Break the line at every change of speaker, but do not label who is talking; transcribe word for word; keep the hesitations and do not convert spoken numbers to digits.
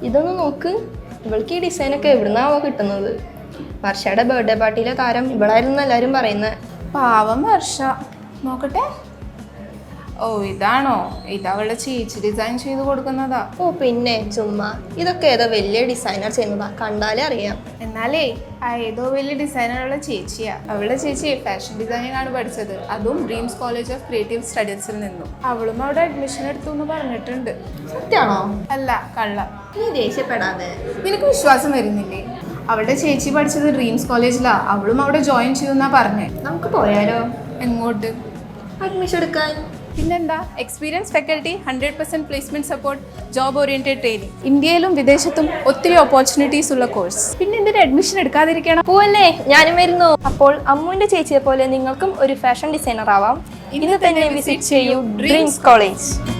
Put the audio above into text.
ഇതൊന്ന് നോക്ക്, ഇവൾക്ക് ഈ ഡിസൈനൊക്കെ എവിടുന്നാവോ കിട്ടുന്നത്? വർഷയുടെ ബർത്ത്ഡേ പാർട്ടിയിലെ താരം ഇവളായിരുന്നു എല്ലാവരും പറയുന്നത്.
പാവം വർഷ. നോക്കട്ടെ. ഓ ഇതാണോ? ഇത് അവളുടെ ചേച്ചി ഡിസൈൻ ചെയ്ത് കൊടുക്കുന്നതാ.
ഓ പിന്നെ ചുമ്മാ, ഇതൊക്കെ ഏതോ വലിയ ഡിസൈനർ ചെയ്യുന്നതാ, കണ്ടാലേ അറിയാം.
എന്നാലേ ആ ഏതോ വലിയ ഡിസൈനറുള്ള ചേച്ചിയാ. അവളുടെ ചേച്ചി ഫാഷൻ ഡിസൈനിങ് ആണ് പഠിച്ചത്, അതും ഡ്രീംസ് കോളേജ് ഓഫ് ക്രിയേറ്റീവ് സ്റ്റഡീസിൽ നിന്നും. അവളും അവിടെ അഡ്മിഷൻ എടുത്തു എന്ന് പറഞ്ഞിട്ടുണ്ട്.
സത്യമാണോ?
അല്ല, കള്ള.
നീ ദേഷ്യപ്പെടാതെ.
നിനക്ക് വിശ്വാസം വരുന്നില്ലേ? അവളുടെ ചേച്ചി പഠിച്ചത് ഡ്രീംസ് കോളേജിലാ, അവളും അവിടെ ജോയിൻ ചെയ്യുന്നാ പറഞ്ഞേ.
നമുക്ക് പോയാലോ?
എങ്ങോട്ട്?
അഡ്മിഷൻ എടുക്കാൻ.
പിന്നെന്താ, experience faculty, hundred percent placement support, job oriented training, ഇന്ത്യയിലും വിദേശത്തും ഒത്തിരി ഓപ്പർച്യൂണിറ്റീസ് ഉള്ള കോഴ്സ്. പിന്നെ എന്തിന് അഡ്മിഷൻ എടുക്കാതിരിക്കണം?
പോവല്ലേ, ഞാനും വരുന്നു. അപ്പോൾ അമ്മുവിന്റെ ചേച്ചിയെ പോലെ നിങ്ങൾക്കും ഒരു ഫാഷൻ ഡിസൈനർ ആവാം. ഇന്ന് തന്നെ വിസിറ്റ് ചെയ്യൂ ഡ്രീംസ് കോളേജ്.